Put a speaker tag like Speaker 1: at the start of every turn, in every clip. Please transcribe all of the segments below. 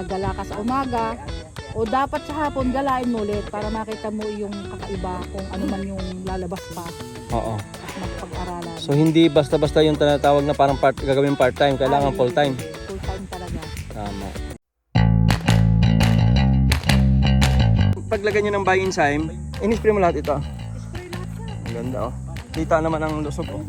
Speaker 1: Gala ka sa umaga o dapat sa hapon galain mo ulit para makita mo yung kakaiba kung ano man yung lalabas pa
Speaker 2: Oo.
Speaker 1: at magpag-aralan.
Speaker 2: So hindi basta-basta yung tinatawag na parang gagawin part-time, kailangan full-time.
Speaker 1: Full-time talaga.
Speaker 2: Tama. Paglagay nyo ng buy enzyme, in-spray mo lahat ito.
Speaker 1: Spray lahat yan.
Speaker 2: Ang ganda oh. Kita naman ang lusog oh.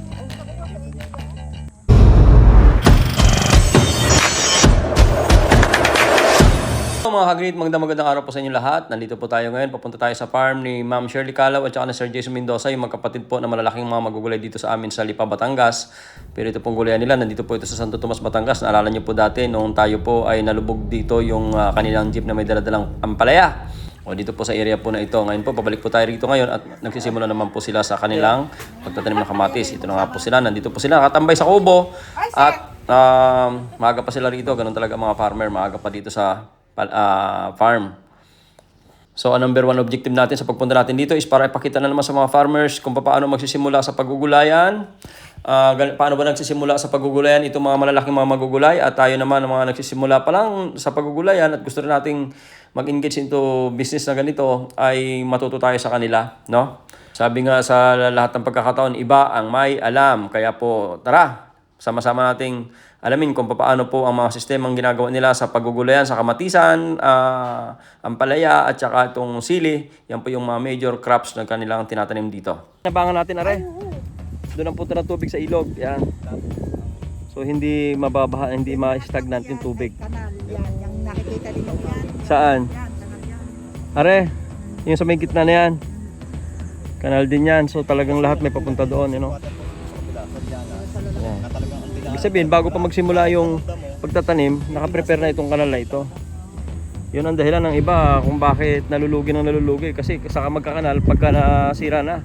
Speaker 2: Mga kagreat, magandang araw po sa inyo lahat. Nandito po tayo ngayon. Papunta tayo sa farm ni Ma'am Shirley Calaw at saka ni Sir Jason Mendoza, yung magkapatid po na malalaking mga magugulay dito sa amin sa Lipa, Batangas. Pero ito pong gulayan nila, nandito po ito sa Santo Tomas, Batangas. Naalala niyo po dati, noong tayo po ay nalubog dito yung kanilang jeep na may daladalang ampalaya. O dito po sa area po na ito. Ngayon po, pabalik po tayo rito ngayon at nagsisimula naman po sila sa kanilang pagtatanim ng kamatis. Ito na nga po sila. Nandito po sila, nakatambay sa kubo. At maaga pa sila rito. Ganun talaga mga farmer, maaga pa dito sa farm. So, ang number one objective natin sa pagpunta natin dito is para ipakita na naman sa mga farmers kung paano magsisimula sa paggugulayan. Paano ba nagsisimula sa paggugulayan itong mga malalaking mga magugulay at tayo naman ang mga nagsisimula pa lang sa paggugulayan at gusto rin nating mag-engage into business na ganito ay matuto tayo sa kanila, no? Sabi nga sa lahat ng pagkakataon, iba ang may alam. Kaya po, tara, sama-sama nating alamin kung paano po ang mga sistemang ginagawa nila sa paggugulayan sa kamatisan, ampalaya at saka itong sili. Yan po yung mga major crops na kanilang tinatanim dito. Nabangan natin, are. Doon ang punta ng tubig sa ilog. Yan. So hindi mababaha, hindi ma-stagnant yung tubig.
Speaker 1: Kanal, yan. Yung nakikita din mo yan.
Speaker 2: Saan?
Speaker 1: Yan, kanal yan.
Speaker 2: Are, yung sa may gitna na yan. Kanal din yan. So talagang lahat may papunta doon, you know. Yan. Ibig sabihin, bago pa magsimula yung pagtatanim, nakaprepare na itong kanal na ito. Yun ang dahilan ng iba kung bakit nalulugi ng nalulugi. Kasi saka magkakanal pagka nasira na.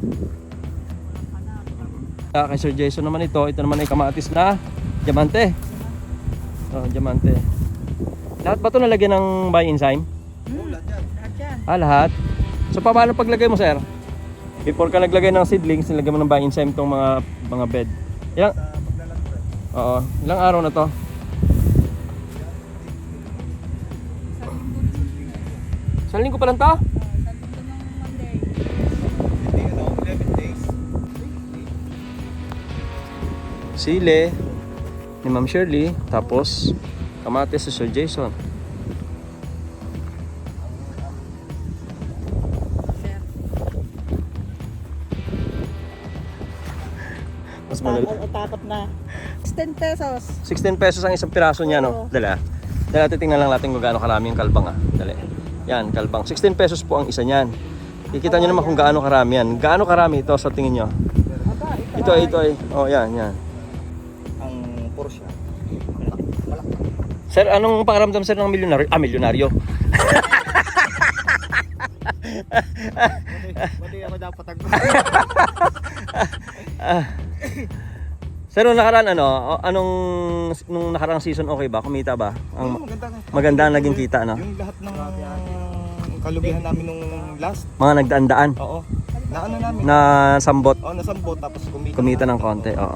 Speaker 2: Kay Sir Jason naman ito naman ay kamatis na diamante. Oh, diamante. Lahat ba ito nalagyan ng buy enzyme?
Speaker 1: Lahat yan.
Speaker 2: Lahat. So paano paglagay mo, sir? Before ka naglagay ng seedlings, nilagyan mo ng buy enzyme itong mga bed. Oo. Ilang araw na to? Isang linggo pa lang to? Sile ni Ma'am Shirley, tapos kamatis si Sir Jason. Mas madali.
Speaker 1: Takot na. 16 pesos.
Speaker 2: 16 pesos ang isang piraso niya, no? Dala. Dala, titingnan lang natin kung gaano karami yung kalbang, ah. Dali. Yan, kalbang. 16 pesos po ang isa niyan. Kikita niyo naman kung gaano karami yan. Gaano karami ito sa tingin niyo? Ito ay. Oh, yan.
Speaker 3: Ang Porsche.
Speaker 2: Sir, anong pakiramdam, sir, ng milyonaryo? Milyonaryo.
Speaker 3: Pwede ako dapat
Speaker 2: Sir, nung nakaraan nung nakarang season okay ba? Kumita ba? Maganda ang naging kita, no?
Speaker 3: Yung lahat ng kalugihan namin nung last.
Speaker 2: Mga nagdaan-daan
Speaker 3: Oo. Na ano namin?
Speaker 2: na sambot,
Speaker 3: Oo, nasambot tapos
Speaker 2: kumita ng konti, oo.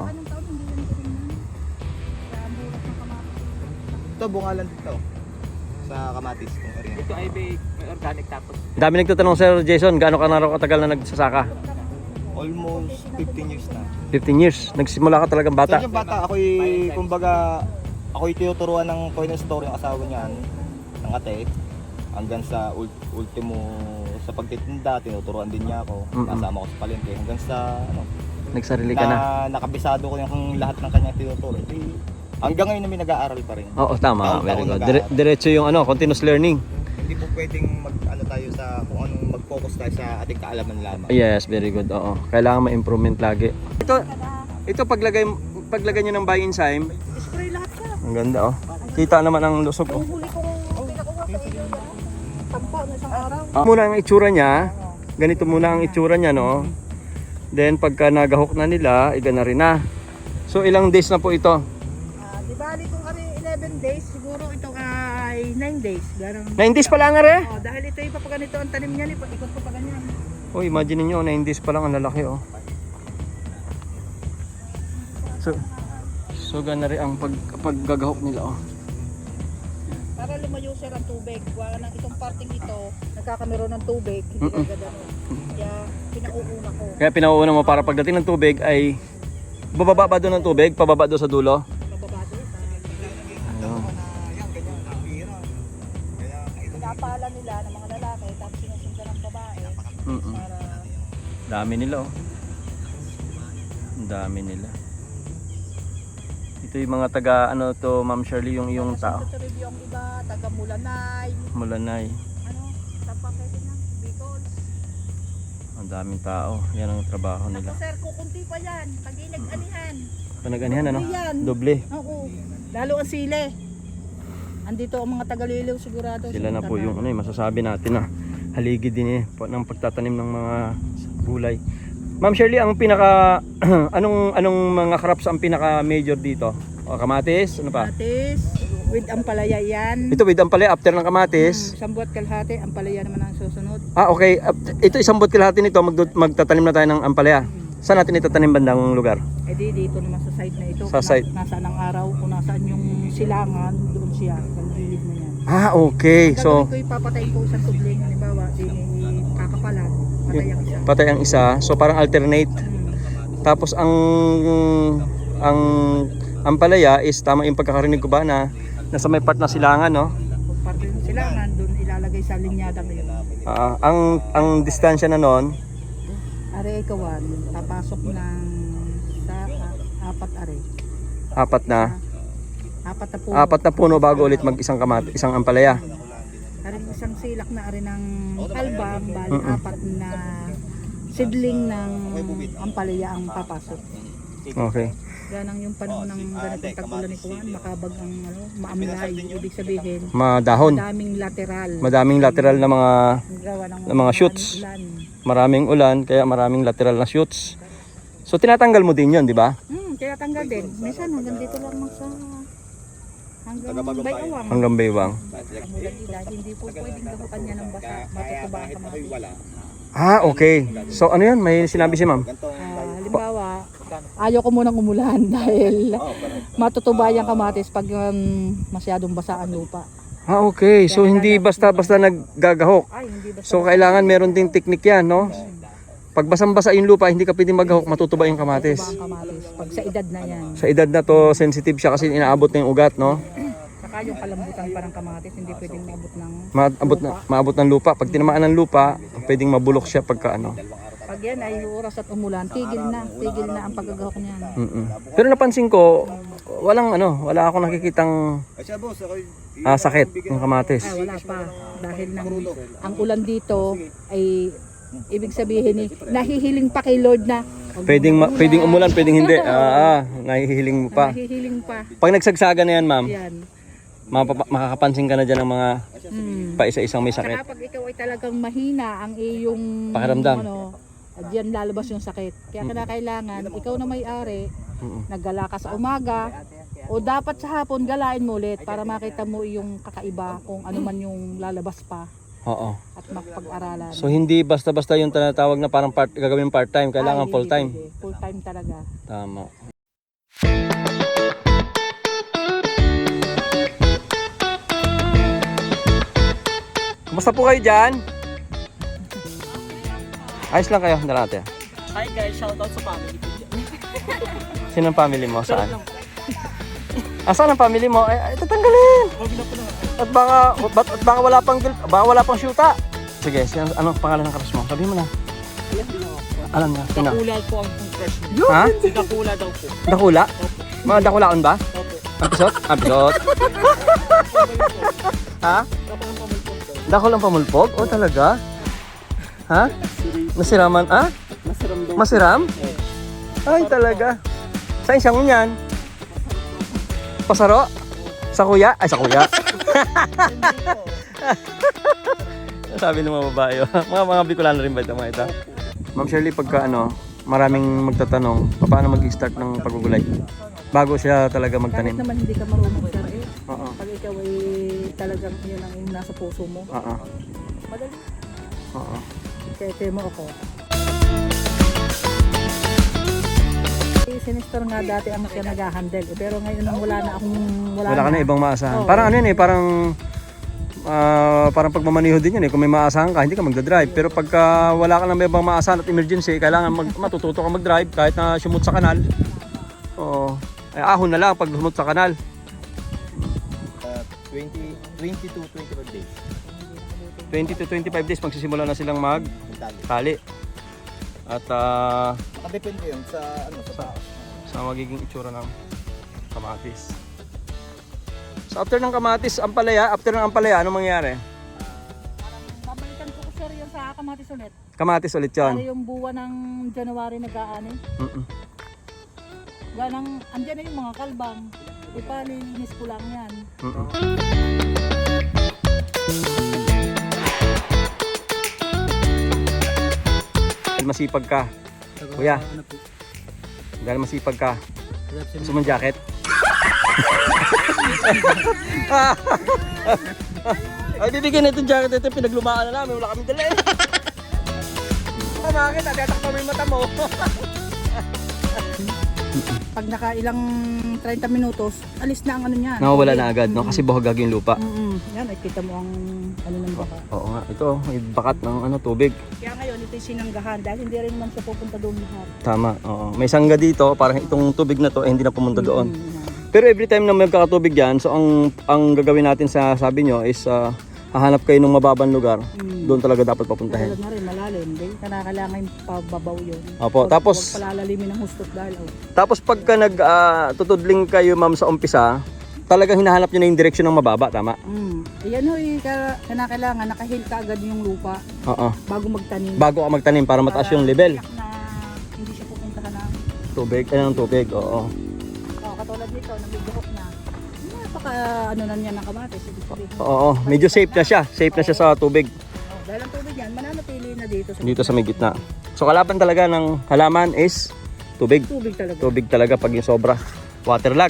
Speaker 3: Ito bungalan dito. Sa kamatis kung area.
Speaker 4: Ito ay may organic tapos
Speaker 2: Ang dami nagtatanong, Sir Jason, gaano ka na raw katagal na nagsasaka?
Speaker 3: Almost 15 years na.
Speaker 2: 15 years. Nagsimula ka talagang bata.
Speaker 3: So yung bata ako'y tinuturuan ng Toy Story yung asawa niyan ng ate hanggang sa ultimo sa pagtitinda tinuturuan din niya ako. Kasama ko sa palengke hanggang sa
Speaker 2: Nagsarili ka na.
Speaker 3: nakabisado ko yung lahat ng kanyang tinuturo. Hanggang ngayon namin nag-aaral pa rin.
Speaker 2: Oo, tama.
Speaker 3: Taon-taon
Speaker 2: Very good.
Speaker 3: nag-aaral.
Speaker 2: Diretso yung continuous learning.
Speaker 3: Hindi po pwedeng tayo sa kung anong mag-focus tayo sa ating kaalaman lamang.
Speaker 2: Yes, very good. Oo. Kailangan ma-improvement lagi. Ito paglagay niyo ng buy enzyme.
Speaker 1: Spray lahat yan.
Speaker 2: Ang ganda, oh. Kita naman ang lusog, oh.
Speaker 1: Huli kong pinakuha sa iyo. Tampa na isang araw.
Speaker 2: Muna ang itsura niya. Ganito muna ang itsura niya, no? Then pagka nagahok na nila, iga na rin na. So ilang days na po ito?
Speaker 1: Di bali kung kami 11 days, siguro ito ay 9 days.
Speaker 2: 9 days pa lang, are.
Speaker 1: Dahil ito yung papaganito ang tanim niya, ikot ko pa ganyan.
Speaker 2: Oh, imagine niyo 9 days pa lang, ang lalaki, oh. So gana rin ang paggagahok nila, oh.
Speaker 1: Para lumayo sir ang tubig. Wala nang itong parting ito, nagkakameron ng tubig, hindi agad ano. Kaya pinauuna ko.
Speaker 2: Kaya pinauuna mo para pagdating ng tubig ay bababa ba doon ng tubig? Pababa doon sa dulo?
Speaker 1: Bababa doon. Pinapala nila ng mga lalaki, tapos sinusundan ng babae. Para
Speaker 2: Dami nila oh. Ang dami nila. Ito yung mga taga ano to Ma'am Shirley, yung tao.
Speaker 1: Sa review ang iba, taga Mulanay,
Speaker 2: Mulanay.
Speaker 1: ano, Tapaketin ng Bicol.
Speaker 2: Ang daming tao. Yan ang trabaho nila.
Speaker 1: Sir, kukunti pa yan, pag nag-anihan.
Speaker 2: Panaganihan ano?
Speaker 1: Doble yan.
Speaker 2: Doble.
Speaker 1: Oo, lalo ang sile. Andito ang mga tagaliliw sigurado.
Speaker 2: Sila na po yung ano, masasabi natin na haligi din ng pagtatanim ng mga gulay. Ma'am Shirley, ang pinaka anong mga crops ang pinaka major dito? O, kamatis, ano pa?
Speaker 1: Kamatis, with ampalaya yan.
Speaker 2: Ito with ampalaya after ng kamatis.
Speaker 1: Isang buwat kalahati, ampalaya naman ang susunod.
Speaker 2: Ah, okay. Ito isang buwan kalahati nito, magtatanim na tayo ng ampalaya. Saan natin itatanim bandang lugar?
Speaker 1: Eh di, dito naman sa site na ito.
Speaker 2: Sa site.
Speaker 1: Nasaan ang araw, kung nasaan yung silangan, doon siya, ang gilid na yan.
Speaker 2: Ah, okay. So,
Speaker 1: Gagawin ko ipapatayin ko isang tubling, halimbawa, kakapalan, patay ang isa.
Speaker 2: patay ang isa. So, parang alternate. Tapos ang ampalaya is tama yung pagkakarinig ko ba na nasa may part na silangan, no?
Speaker 1: Kung parte ng silangan, doon ilalagay sa linyada ngayon.
Speaker 2: Ang distansya na noon,
Speaker 1: Are ikawan, papasok ng sa apat are.
Speaker 2: apat na
Speaker 1: Apat na puno.
Speaker 2: bago ulit mag isang ampalaya.
Speaker 1: Are isang silak na are ng albam, bali apat na sidling ng ampalaya ang papasok.
Speaker 2: Okay.
Speaker 1: Ganang yung panahon ng ganitong tag-ulan ni Kuwan, makabag ang maamlay, ibig sabihin,
Speaker 2: Madahon.
Speaker 1: madaming lateral
Speaker 2: Na mga
Speaker 1: gawa
Speaker 2: ng mga shoots.
Speaker 1: ulan.
Speaker 2: maraming ulan kaya maraming lateral na shoots. So tinatanggal mo din 'yon, di ba?
Speaker 1: Kaya tanggal din. Minsan hanggang dito lang sa hanggang bayawang.
Speaker 2: Hanggang baywang.
Speaker 1: Mulan nila, hindi po pwedeng gamutan niya ng basa, matutuba ang kamatis.
Speaker 2: Ah, okay. So ano 'yan? May sinabi si Ma'am.
Speaker 1: Halimbawa, ayaw ko munang umulan dahil matutuba yung kamatis pag masyadong basa ang lupa.
Speaker 2: Ah, okay. So hindi basta-basta naggagahok.
Speaker 1: Ay, hindi basta.
Speaker 2: So kailangan meron ding teknik 'yan, no? Pag basang-basa yung lupa, hindi ka pwedeng maghahok, matutuba yung kamatis.
Speaker 1: Tuba ang kamatis. Pag sa edad na yan.
Speaker 2: Sa edad na to, sensitive siya kasi inaabot na yung ugat, no?
Speaker 1: Saka yung kalambutan pa ng kamatis, hindi pwedeng maabot ng
Speaker 2: Maabot ng lupa. Pag tinamaan ng lupa, pwedeng mabulok siya pagka ano.
Speaker 1: pag yan ay oras at umulan, tigil na ang paggagahok niyan.
Speaker 2: Pero napansin ko, wala akong nakikitang sakit ng kamatis.
Speaker 1: Ay, wala pa. Dahil ang ulan dito ay ibig sabihin nahihiling pa kay Lord na.
Speaker 2: Pwedeng umulan, pwedeng hindi. Nahihiling mo pa.
Speaker 1: Nahihiling pa.
Speaker 2: Pag nagsagsaga na yan, ma'am,
Speaker 1: Yan.
Speaker 2: makakapansin ka na dyan ng mga paisa-isang may sakit.
Speaker 1: Saka pag ikaw ay talagang mahina ang iyong
Speaker 2: Pakiramdam.
Speaker 1: diyan lalabas yung sakit. Kaya kailangan ikaw na may-ari, naggala ka sa umaga o dapat sa hapon galain mo ulit para makita mo yung kakaiba kung ano man yung lalabas pa
Speaker 2: Oo.
Speaker 1: at makapag-aralan.
Speaker 2: So hindi basta-basta yung tinatawag na parang gagawin part-time, kailangan
Speaker 1: Ay,
Speaker 2: full-time.
Speaker 1: hindi. Full-time talaga.
Speaker 2: Tama. Kumusta po kayo dyan? Ayos lang kayo, dala natin.
Speaker 4: Hi guys, shoutout sa family ko dyan.
Speaker 2: Sino ang family mo? Saan? Saan ang family mo? Ay, tatanggalin! At baka wala pang shoota. Sige, anong pangalan ng crush mo? Sabihin mo na. Alam na, sino?
Speaker 4: Dakula po ang crush niya.
Speaker 2: Ha?
Speaker 4: Si Dakula daw po.
Speaker 2: Dakula? Mga dakulaon ba?
Speaker 4: Opo.
Speaker 2: Episode? Episode? Ha? Dakulang pamulpog? Oh, talaga? Ha? Nasiraman? Ah?
Speaker 4: Masiram daw.
Speaker 2: Masiram? Ay, talaga. Saan siyang yan? Pasaro? Sa kuya? Ay, sa kuya. Sabi ng mga babae. Mga Bicolano rin ba ito mga ito? Ma'am Shirley, pagka maraming magtatanong, paano mag-start ng paggugulay? Bago siya talaga
Speaker 1: Kahit
Speaker 2: magtanim.
Speaker 1: naman hindi ka marunong sir
Speaker 2: Oo.
Speaker 1: pag ikaw ay talagang yun ang nasa puso mo,
Speaker 2: Oo.
Speaker 1: madali.
Speaker 2: Oo.
Speaker 1: Kaya mo ako. Sinister nga dati ang siya nag-handle pero ngayon wala na akong
Speaker 2: Wala ka na ibang maasahan.
Speaker 1: Oo.
Speaker 2: Parang ano yun parang parang pagmamaniho din yun eh. Kung may maasahan ka, hindi ka magdadrive. Pero pagka wala ka nang may ibang maasahan at emergency, kailangan matututo ka magdrive kahit na sumut sa kanal. Oo. Ay, ahon na lang pag sumut sa kanal.
Speaker 3: 20 to 25 days.
Speaker 2: 20 to 25 days magsisimula na silang
Speaker 3: Tali.
Speaker 2: magtali. At
Speaker 3: Nakadepende yun sa ano sa tao.
Speaker 2: sa magiging itsura ng kamatis. So after ng kamatis, ampalaya, anong mangyayari?
Speaker 1: Babalikan ko sir yan sa kamatis ulit.
Speaker 2: Kamatis ulit
Speaker 1: Para
Speaker 2: yun.
Speaker 1: yung buwan ng January nag-aani. Ganang, andyan na yung mga kalbang. Ipalilinis ko lang yan.
Speaker 2: Dahil masipag ka. Kuya. Dahil masipag ka. Gusto mong jacket? Ay, bibigyan na itong jacket ito. Pinaglumaan na namin. Wala kaming dala eh. Bakit? Tatakpa mo yung mata mo.
Speaker 1: Pag nakailang 30 minutos, alis na ang ano niyan.
Speaker 2: Nawawala na agad, no? Kasi buhagag yung lupa.
Speaker 1: Yan, ay kita mo ang ano ng baka.
Speaker 2: Oo nga, ito, may bakat ng tubig.
Speaker 1: Kaya ngayon, ito yung sinanggahan dahil hindi rin naman siya pupunta doon lahat.
Speaker 2: Tama, oo. May sangga dito, parang itong tubig na to, hindi na pumunta doon. Pero every time na may magkakatubig yan, so ang gagawin natin sa sabi nyo is hahanap kayo ng mababang lugar. Doon talaga dapat papuntahin.
Speaker 1: Tulad na rin, malalim. Hindi kailangan yung pababaw yun.
Speaker 2: Opo, tapos
Speaker 1: Huwag palalalimin ng hustot dahil
Speaker 2: tapos pagka tutudling kayo ma'am sa umpisa, talagang hinahanap nyo na yung direksyon ng mababa, tama?
Speaker 1: Iyan ho, kailangan nakahil ka agad yung lupa
Speaker 2: Oo.
Speaker 1: bago magtanim.
Speaker 2: Bago ka magtanim para mataas yung level.
Speaker 1: Tiyak na hindi siya pupuntahan ng
Speaker 2: Ng tubig, oo.
Speaker 1: katulad nito, nabibihok na. Napaka ano na niya ng kamatis.
Speaker 2: Oo, medyo safe na siya. Safe na siya sa tubig.
Speaker 1: Dahil ang tubig yan, mananatili na
Speaker 2: Dito sa may gitna. So kalaban talaga ng halaman is tubig.
Speaker 1: Tubig talaga.
Speaker 2: Tubig talaga pag yung sobra. Waterlag.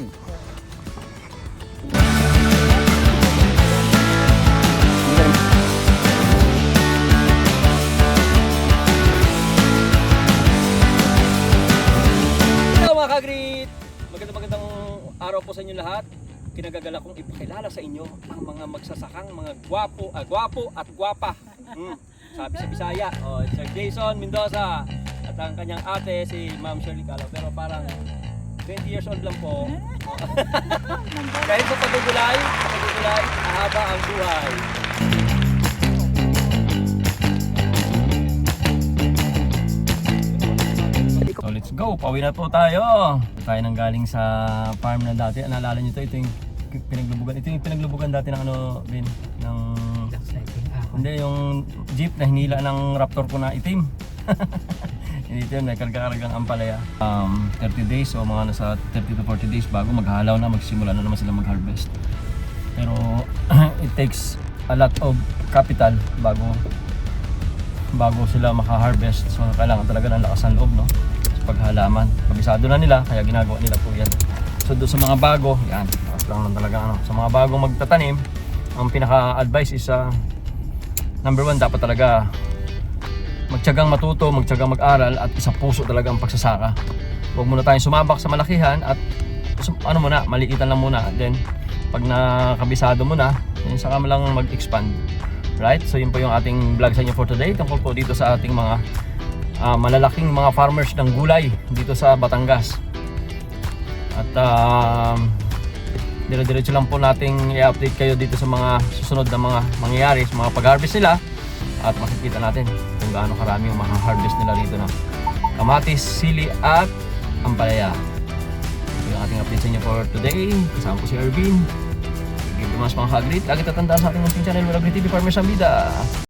Speaker 2: Hello mga kagrit! Magandang araw po sa inyo lahat. Kinagagala kong ipakilala sa inyo ang mga magsasakang mga gwapo at gwapa. Sabi sa Bisaya, Sir Jason Mendoza at ang kanyang ate si Ma'am Shirley Calao. Pero parang 20 years old lang po. Dahil sa pagugulay, ahaba ang buhay. So let's go, pauwi na po tayo. Tayo nang galing sa farm na dati. Naalala nyo ito yung pinaglubugan. Ito yung pinaglubugan dati ng Ben, ng hindi, yung jeep na hinila ng Raptor ko na itim. Dito yun, may karga-kargang ampalaya. 30 days o mga nasa 30 to 40 days bago maghalaw na, magsimula na naman sila mag-harvest. Pero it takes a lot of capital bago sila maka-harvest. So kailangan talaga ng lakas ng loob, no? Sa paghalaman. Kabisado na nila, kaya ginagawa nila po yan. So doon sa mga bago, yan, lakas lang talaga sa mga bagong magtatanim, ang pinaka-advice is number 1, dapat talaga magtiyagang matuto, magtiyagang mag-aral at isang puso talaga ang pagsasaka. Huwag muna tayong sumabak sa malakihan at maliitan lang muna. Then pag nakabisado mo na, then saka mo lang mag-expand. Right? So yun po yung ating vlog sa inyo for today. Tungkol po dito sa ating mga malalaking mga farmers ng gulay dito sa Batangas. At dire-diretso lang po nating i-update kayo dito sa mga susunod na mga mangyayari sa mga pag-harvest nila at makikita natin kung gaano karami yung harvest nila rito na kamatis, sili at ampalaya. Ito yung ating update sa inyo for today. Kasama ko si Ervin. Give you much mga kagrit. Lagi tatandaan sa ating munting channel, Agri TV Farmers Ambida.